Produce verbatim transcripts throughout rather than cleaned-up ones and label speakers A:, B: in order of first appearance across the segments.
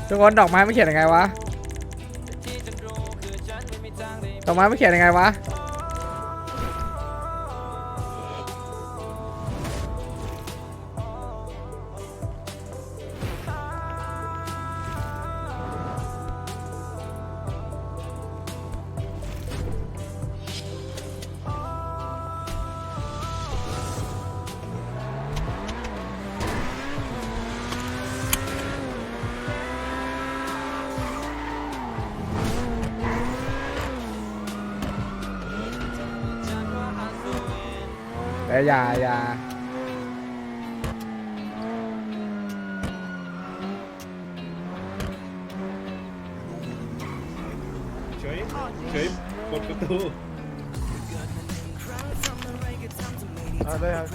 A: ทุกคนดอกไม้ไม่เขียนยังไงวะดอกไม้ไม่เขียนยังไงวะแต่อย่าอย่า
B: เฉยเฉยกดประตู
A: เอาได้ครับ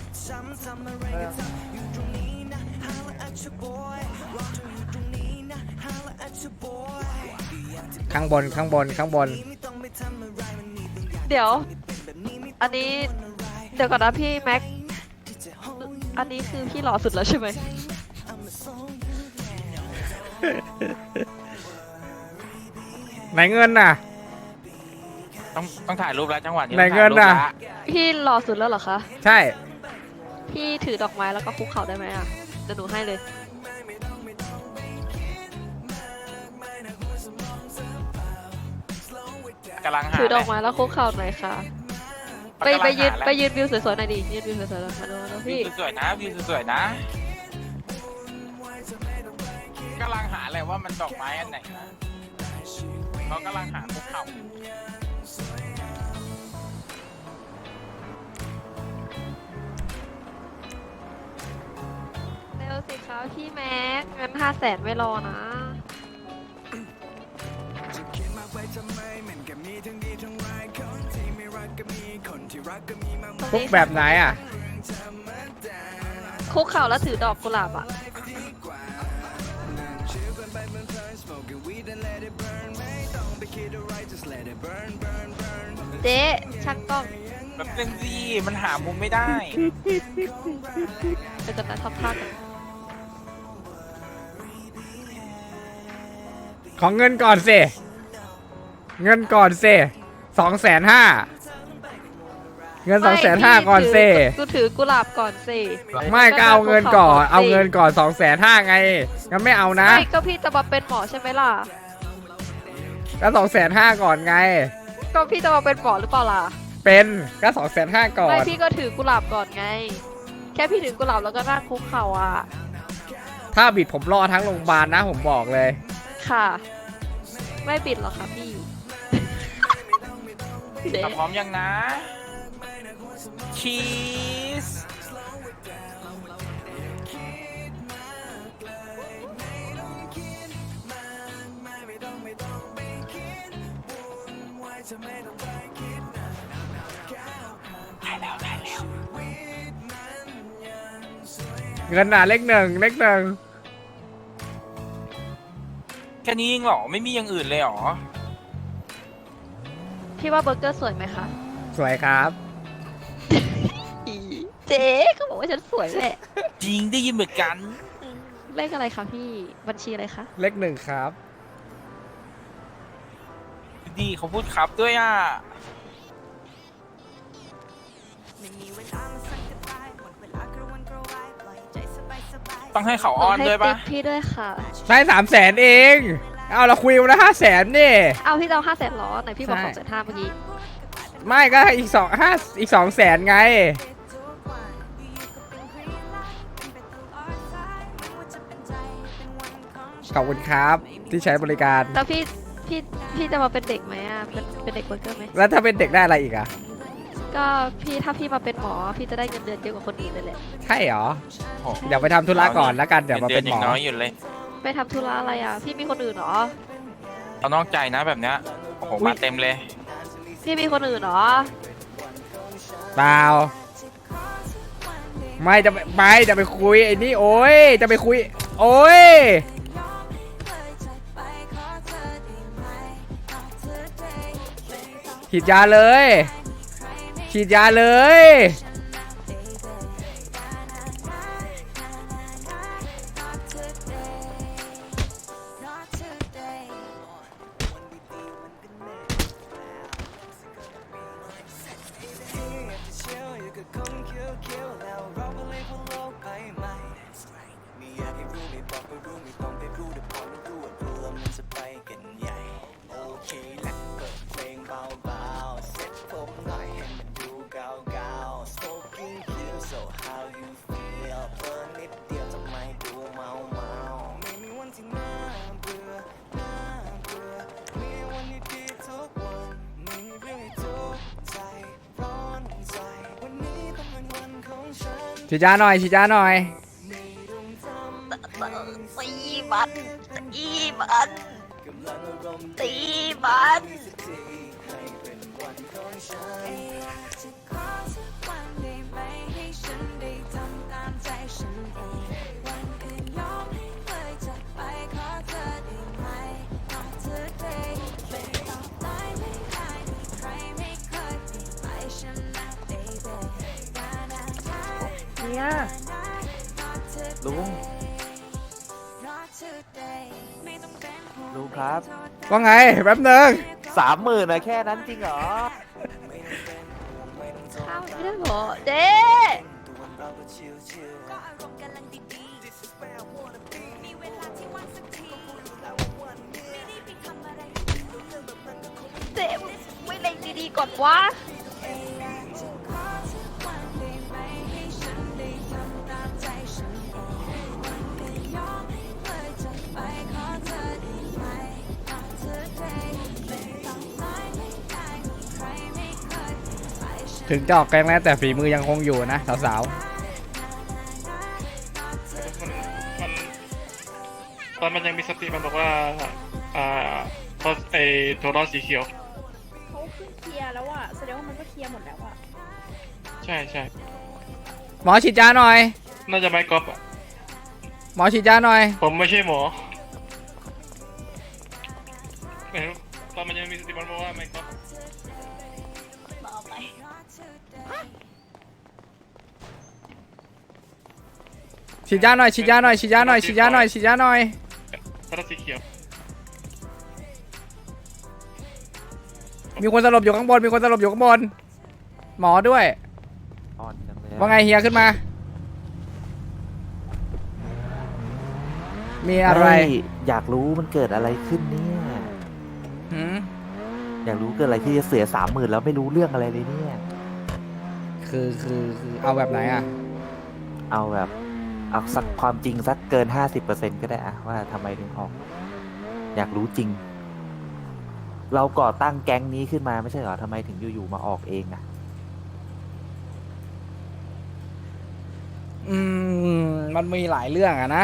A: ข้างบนข้างบนข้างบน
C: เดี๋ยวอันนี้เดี๋ยวก่อนนะพี่แม็กอันนี้คือพี่หล่อสุดแล้วใช่ไหม
A: ไหนเงินน่ะ
D: ต้องต้องถ่ายรูปแล้วจังหวะนี้
A: ไหนเงินน่ะ
C: พี่หล่อสุดแล้วเหรอคะ
A: ใช่
C: พี่ถือดอกไม้แล้วก็คุกเข่าได้ไหมอ่ะเดี๋ยวหนูให้เลย
D: กำลังหา
C: ถือดอกไม้แล้วคุกเข่าหน่อยค่ะไปไปยืนไปยืนวิวสวยๆหน่อยดิยืนวิวสวยๆแล้วมาดูนะ
D: วิ
C: พี่
D: วสวยๆนะวิวสวยๆนะกำลังหาอะไรว่ามันดอกไม้อันไหนนะเขากำลังหาภูเขา
C: เร็วสิคะพี่แม็กงั้นห้าแสนไม่รอนะ
A: คุกแบบไหนอ่ะ
C: คุกเข่าแล้วถือดอกกุหลาบอ่ะเจ๊ช่างกล้อง
D: แบบนึงสิมันหามุมไม่ได้
C: ไปกันนะทำท่ากัน
A: ของเงินก่อนสิเงินก่อนสิสองแสนห้าเงินสองแสนห้าก่อนสิ
C: กูถือกุหลาบก่อนสิ
A: ไม่ก็เอาเงินก่อนเอาเงินก่อนสองแสนห้าไงงั้นไม่เอานะ
C: ไม่ก็พี่จะมาเป็นหมอใช่ไหมล่ะ
A: ก็สองแสนห้าก่อนไง
C: ก็พี่จะมาเป็นหมอหรือเปล่าล่ะ
A: เป็นก็สองแสนห้าก่อน
C: ไม่พี่ก็ถือกุหลาบก่อนไงแค่พี่ถือกุหลาบแล้วก็นั่งคุกเข่าอ่ะ
A: ถ้าบิดผมรอทั้งโรงพยาบาลนะผมบอกเลย
C: ค่ะไม่ปิดหรอกค่ะพี่เด็ก
D: พร้อมยังนะชีสได้แล้วได้แล้ว
A: เงินหนาเลขหนึ่งเลขหนึ่ง
D: แค่นี้เองเหรอไม่มีอย่างอื่นเลยเหรอ
C: พี่ว่าเบอร์เกอร์สวยไหมคะ
A: สวยครับ
C: อีเจ๊เขาบอกว่าฉันสวยแหละ
D: จริงได้ยินเหมือนกัน
C: เลขอะไรคะพี่บัญชีอะไรคะ
A: เลขหนึ่งครับ
D: ดีเขาพูดครับด้วยอ่ะต้องให้เขาอ้อนด้วยปะ
C: พี่ด้วยค่ะ
A: ได้สามแสนเองเอาเราคุยกันนะห้าแสนนี่
C: เอาพี่จะเอาห้าแสนหรอไหนพี่บอกสองแสนห้าเมื่อกี้
A: ไม่ก็อีกสองห้าอีกสองแสนไงขอบคุณครับที่ใช้บริการ
C: แล้วพี่พี่พี่จะมาเป็นเด็กไหมอ่ะเป็นเป็นเด็กเบอร์เกอร์ไหม
A: แล้วถ้าเป็นเด็กได้อะไรอีกอ่ะ
C: ก็พี่ถ้าพี่มาเป็นหมอพี่จะได้เงินเดือนเยอะกว่าคนอื่นเลยแหละ
A: ใช่เหรอเดี๋ยวไปทำธุระก่อนแล้วกันเดี๋ยวมาเป็นหมอ
D: น้อยอยู่เลย
C: ไปทำธุระอะไรอ่ะพี่มีคนอื่นเหรอ
D: เอานอกใจนะแบบเนี้ยโอ้โหมาเต็มเลย
C: พี่มีคนอื่นเหรอ
A: เปล่าไม่จะไม่จะไปคุยไอ้นี่โอ้ยจะไปคุยโอ้ยฉีดยาเลยฉีดยาเลยฉีดยาหน่อยฉีดยาหน่อย
C: ตีมันตีมันตีมัน
E: เนี่ยลุงลุงครับ
A: ว่าไงแป๊บนึง
E: สามหมื่นนะแค่นั้นจริงเหรอ
C: ข้าวไม่ได้เหรอเจ๊เจ๊ไม่เล็งดีๆก่อนวะ
A: ถึงจะออกแกงแล้วแต่ฝีมือยังคงอยู่นะสาว
F: มันตอนมันยังมีสติมันบอกว่า อ่าตอนไอโทรอสีเขียว
G: เขาขึ้นเคลียร์แล้วอะแสดงว่ามันก็เคลียร์หมดแล้วอะ
F: ใช่ใช่
A: ๆหมอฉีดยาหน่อย
F: น่าจะไม่ก๊อปอะ
A: หมอฉีดยาหน่อย
F: ผมไม่ใช่หมอไม่รู้ตอนมันยังมีสติมันบอกว่าไม่ก๊อป
A: ฉีดยาหน่อยฉีดยาหน่อยฉีดยาหน่อยฉีดยาหน่อยฉีดยาหน่อย
F: โทรอสีเขียว
A: มีคนสลบอยู่ข้างบนมีคนสลบอยู่ข้างบนหมอด้วย
E: อ่อนจังเลย
A: ว่าไงเฮียขึ้นมา มีอะไร
E: ม่อยากรู้มันเกิดอะไรขึ้นเนี่ย
A: หืม
E: อยากรู้เกิดอะไรที่จะเสียสามหมื่นแล้วไม่รู้เรื่องอะไรเลยเนี่ย
A: คือคือคือเอาแบบไหนอ่ะ
E: เอาแบบเอาสักความจริงสักเกินห้าสิบเปอร์เซ็นต์ก็ได้อะว่าทำไมถึงออก อยากรู้จริง เราก่อตั้งแก๊งนี้ขึ้นมาไม่ใช่เหรอทำไมถึงอยู่ๆมาออกเองอะ
A: อืมมันมีหลายเรื่องอะนะ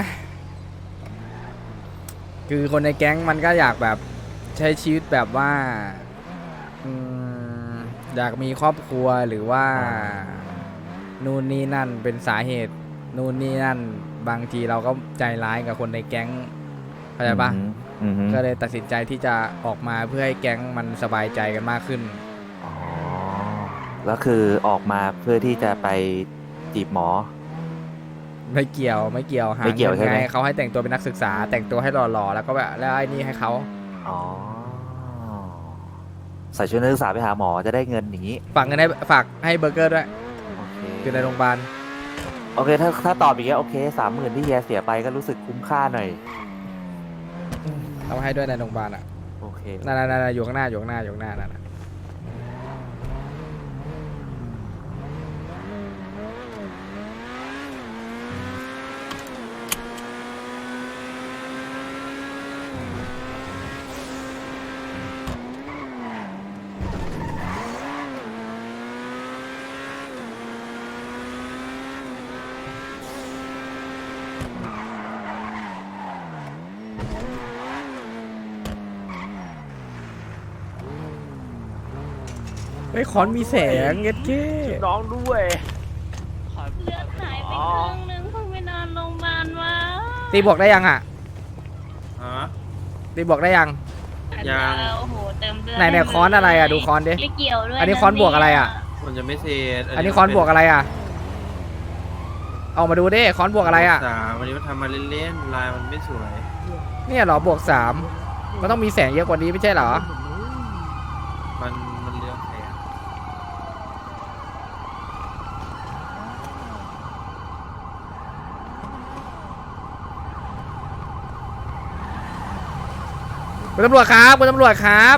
A: คือคนในแก๊งมันก็อยากแบบใช้ชีวิตแบบว่าอืมอยากมีครอบครัวหรือว่านู่นนี่นั่นเป็นสาเหตุนู่นนี่นั่นบางทีเราก็ใจร้ายกับคนในแก๊งเข้าใจปะ
E: อือฮึ
A: ก็เลยตัดสินใจที่จะออกมาเพื่อให้แก๊งมันสบายใจกันมากขึ้น
E: อ๋อแล้วคือออกมาเพื่อที่จะไปจีบหมอ
A: ไม่เกี่ยวไม่เกี่ยวหา
E: ไม่เกี่ยว
A: งิน
E: ใช่ไหม
A: ไงเขาให้แต่งตัวเป็นนักศึกษา แต่งตัวให้หล่อๆแล้วก็แบบแล้วไอ้นี่ให้เขา
E: อ๋อใส่ชุดนักศึกษาไปหาหมอจะได้เงินอย่างนี้
A: ฝากเงินให้ฝากให้เบอร์เกอร์ด้วย
E: โอเค
A: อยู่ในโรงพยาบาล
E: โอเคถ้าถ้าตอบอย่างเงี้ยโอเคสามหมื่นที่เฮียเสียไปก็รู้สึกคุ้มค่าหน่อย
A: เอาให้ด้วยในโรงพยาบาลอ่ะ
E: โอเค
A: นั่นๆๆอยู่ข้างหน้าอยู่ข้างหน้าอยู่ข้างหน้านั่นน่ะ เฮ้ยคอนมีแสงเงี้ยเก้
E: น้องด้วย
G: เลือดหายไปครึ่งนึงเพิ่งไปนอนโรงพยาบาลมา
A: ตีบวกได้ยังอ่ะ
B: ฮะ
A: ตีบวกได้ยัง
B: ยัง
G: โอ้โหเติมเลือด
A: ไหนไหนค้อนอะไรอะดูค้อนดิ
G: ไม่เกี่ยวด้วย
A: อันนี้ค้อนบวกอะไรอะ
B: มันจะไม่เสร็จ
A: อันนี้คอนบวกอะไรอ่ะเอามาดูดิคอนบวกอะไรอ่ะ
B: สามวันนี้มันทำมาเล่นๆลายมันไม่สวย
A: เนี่ยเหรอบวกสามมันต้องมีแสงเยอะกว่านี้ไม่ใช่เหรอ
B: มันมันเรื่องแสง
A: คุณตำรวจครับคุณตำรวจครับ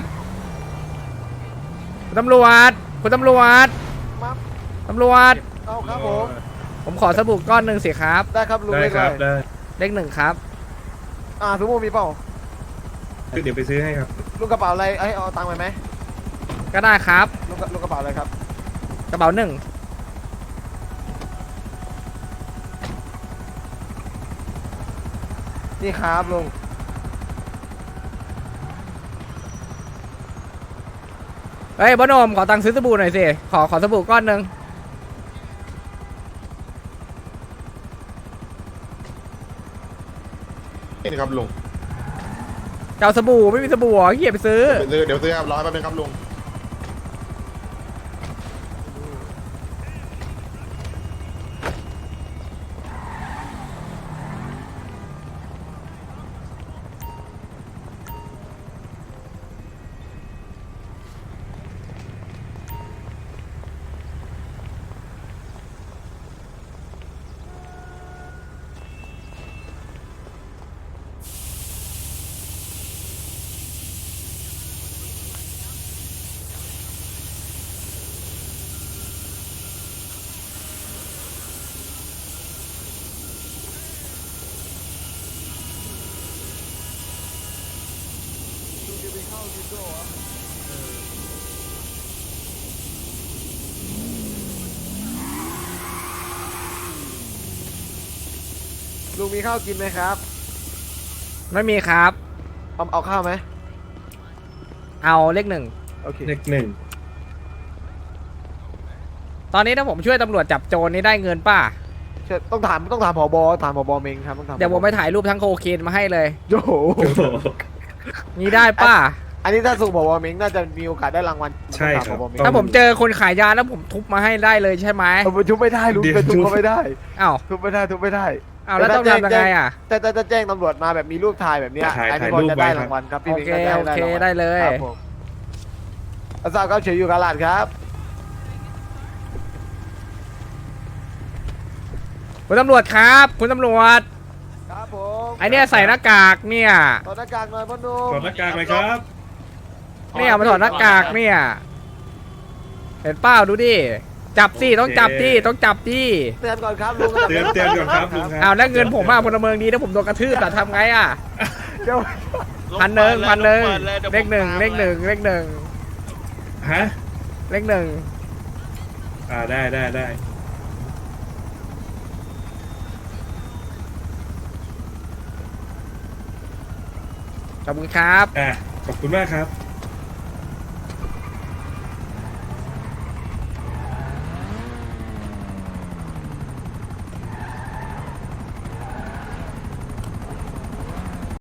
A: คุณตำรวจคุณตำรวจตำรวจ
H: เอาครับผม
A: ผมขอสบู่ก้อนหนึ่งสิครับ
H: ได้ครับลุง
B: ได้
H: เลข
B: ค
H: อะ
B: รับ
H: ไร
B: ได้
A: เลขหนึ่งครับ
H: อ่าสมมุติมีเปล่า
B: เดี๋ยวไปซื้อให้ครับ
H: ลุงกระเป๋าอะไรไอ้ยเอาตังค์ไปไหม
A: ก็ได้ครับ
H: ลุงกระลุงกระเป๋าอะไรครับ
A: กระเป๋าหนึ่ง
H: นี่ครับลุง
A: เฮ้ยบอนมขอตังค์ซื้อสบู่หน่อยสิขอขอสบู่ก้อนหนึ่ง
I: นี่ครับลุง
A: เจ้าสบู่ไม่มีสบู่เหรอเหี้ยไปซื้อ
I: เดี๋ยวเดี๋ยวซื้อครับรอให้แป๊บนึงครับลุง
H: ลุงมีข้าวกินไหมครับ
A: ไม่มีครับ
H: เอาเอาข้าวไหม
A: เอาเลขหนึ่ง
H: โอเค
B: เลขหนึ่ง
A: ตอนนี้ถ้าผมช่วยตำรวจจับโจรนี่ได้เงินป่ะ
H: เชิญต้องถามต้องถามผบถามผบเมงครับต้องถาม
A: เดี๋ยวผมไปถ่ายรูปทั้งโคเคนมาให้เลย
H: โอ้โห
A: นี่ได้ป่ะ
H: อันนี้ถ้าส่งผบเมงน่าจะมีโอกาสได้รางวัล
B: ใช่ครับ
H: ต้องถามผบเมง
A: ถ้าผมเจอคนขายยาแล้วผมทุบมาให้ได้เลยใช่ไหม
H: เอาไปทุบไม่ได้ลุง
B: เดี๋ยว
H: ไปทุบเขาไม่ได้
A: อ้าว
H: ทุบไม่ได้ทุบไม่ได้
A: อ้าวแล้วต้องทำยังไงอ่ะ
H: แต่แต่จะแจ้งตำรวจมาแบบมีรูปถ่ายแบบเนี้ย
B: ถ่าย
H: อันนี้
B: ถ่าย
H: พอ
B: รูป
H: จะได้
B: ไว้ครับ
H: รางวัลครับพี่
A: โอ
H: เมง
A: เค
H: ก็จะ
A: โอ
H: ได้
A: เค
H: รางวัล
A: ได้เลย
H: ครับผมอาซาวครับเฉยอยู่กาลาดครับ
A: คุณตำรวจครับคุณตำรวจ
H: ครับผม
A: ไอเนี่ยใส่หน้ากากเนี่ย
H: ถอดหน้ากากหน่อยพ่อหนุ่ม
B: ถอดหน้ากากเลยครับ
A: เนี่ยมาถอดหน้ากากเนี่ย เห็นเป้าดูดิจับสิต้องจับดิต้องจับดิ
H: เตือนก่อนครับลุง
B: เตือนเตือนก่อนครับลุงครับ
A: อ้าวแล้วเงินผมมาพลเมืองดีถ้าผมโดนกระทืบแต่ทำไงอ่ะ
H: เดี๋ยว
A: พันหนึ่งพันหนึ่งเลขหนึ่งเลขหนึ่งเลขหนึ่ง
B: ฮะ
A: เลขหนึ่ง
B: อ่าได้ได้ได้
A: ขอบคุณครับ
B: อ่ะขอบคุณมากครับ